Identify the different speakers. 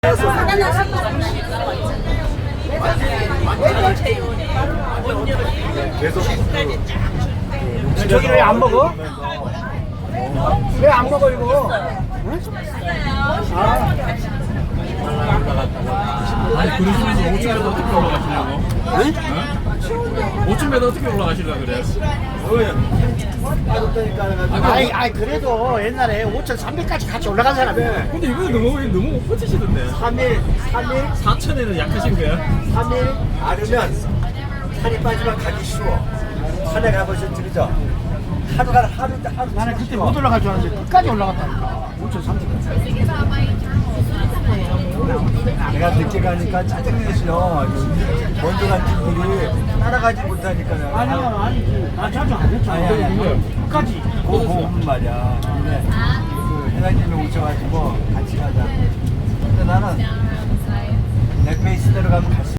Speaker 1: 계속
Speaker 2: 저기 왜 안 먹어? 왜 안 먹어 이거? 응?
Speaker 3: 아니 그러시면서 5층에서 어떻게 올라가시려고?
Speaker 2: 응?
Speaker 3: 5층에서 어떻게 올라가시려고 그래요?
Speaker 2: 아이 그래도 옛날에 5,300까지 같이 올라간 사람이야.
Speaker 3: 근데 이거 너무 못 버티시던데
Speaker 1: 3일
Speaker 3: 4천에는 약하신 거야?
Speaker 1: 3일 아르면 살이 빠지면 가기 쉬워. 산에 가보신 적이죠? 하루
Speaker 2: 나는 그때 못 올라갈 줄 알았는데 끝까지 올라갔다니까. 5,300까지.
Speaker 1: 내가 늦게 가니까 짜증내시요. 먼저 간 친구들이 따라가지 못하니까.
Speaker 2: 아니지. 나 자주 안 했죠.
Speaker 1: 아니.
Speaker 2: 끝까지.
Speaker 1: 오면 말이야. 근데 그 회장님이 오셔가지고 같이 가자. 근데 나는 내 페이스대로 가면 갈 수